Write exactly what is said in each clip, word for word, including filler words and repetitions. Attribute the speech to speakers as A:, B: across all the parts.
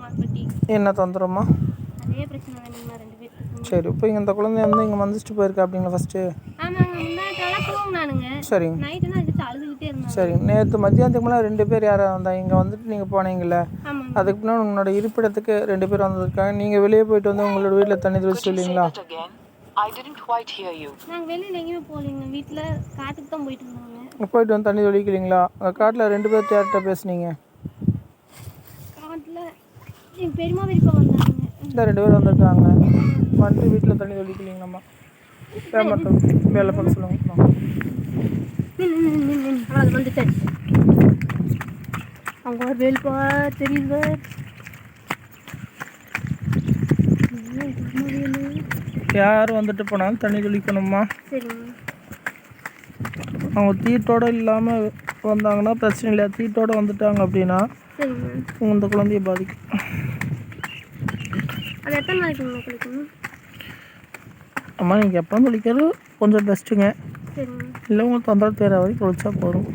A: என்ன தொந்தரமா?
B: அதே பிரச்சனை வேணுங்களா ரெண்டு பேருக்கு?
A: சரி, இப்போ இந்த குழந்தை வந்து இங்கே வந்துட்டு போயிருக்கா அப்படிங்களா ஃபஸ்ட்டு?
B: ஆமாங்க, முன்னாடிலாம் தூங்கினானுங்க.
A: சரி
B: நைட்டுனா எதுக்கு அழுதுகிட்டே இருந்தாங்க.
A: சரி, நேற்று மத்தியானத்துக்கு மேலே ரெண்டு பேர் யாரும் வந்தாங்க இங்கே வந்துட்டு நீங்கள் போனீங்களே, அதுக்கு முன்னாடி உங்களோட இருப்பிடத்துக்கு ரெண்டு பேர் வந்திருக்காங்க. நீங்கள் வெளியே போயிட்டு வந்து உங்களோட வீட்டில் தண்ணி தெளிச்சு இல்லைங்களா?
B: நாங்கள் வெளியில் எங்கேயுமே போகலைங்க, வீட்டில் காட்டுக்கு தான் போயிட்டு இருந்தாங்க.
A: போயிட்டு வந்து தண்ணி தெளிக்கலீங்களா? காட்டில் ரெண்டு பேர் யார்கிட்ட பேசுனீங்க?
B: காட்டில் எங்கள் பெரியம்மா பெரியப்பா வந்தாங்க.
A: இந்த ரெண்டு பேர் வந்திருக்காங்க, வந்துட்டு வீட்டில் தண்ணி தெளிக்கலீங்களாம்மா? வேமாட்டம் வேலை பண்ண சொல்லுங்க.
B: அது வந்துட்டு அவங்க ஒரு வேல்பா தெரியுது.
A: யார் வந்துட்டு போனாலும் தண்ணி தெளிக்கணுமா? அவங்க தீட்டோடு இல்லாமல் வந்தாங்கன்னா பிரச்சனை இல்லை. தீட்டோடு வந்துட்டாங்க அப்படின்னா இந்த குழந்தைய பாதிக்கும்.
B: அது எத்தனை நாளைக்கு குளிக்கணும்?
A: அம்மா நீங்கள் எப்போ குளிக்கிறது கொஞ்சம் பெஸ்ட்டுங்க. இல்லை உங்களுக்கு தொந்தரவு தேர வரைக்கும் குளிச்சா போதும்.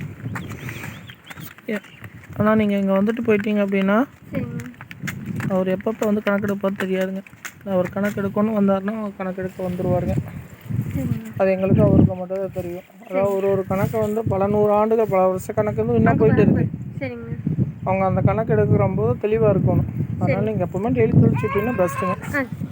A: ஆனால் நீங்கள் இங்கே வந்துட்டு போயிட்டீங்க அப்படின்னா அவர் எப்பப்போ வந்து கணக்கெடுப்பார் தெரியாதுங்க. அவர் கணக்கெடுக்கணும்னு வந்தாருன்னா அவர் கணக்கெடுக்க வந்துடுவாருங்க. அது எங்களுக்கு அவருக்கு மட்டும் தான் தெரியும். அதாவது ஒரு ஒரு கணக்கை வந்து பல நூறு ஆண்டுகள் பல வருஷ கணக்கு வந்து இன்னும் போயிட்டு இருக்கு. அவங்க அந்த கணக்கு எடுக்கிற போது தெளிவாக இருக்கணும். அதனால் நீங்கள் எப்போவுமே டெய்லி குளிச்சுட்டிங்கன்னா பெஸ்ட்டுங்க.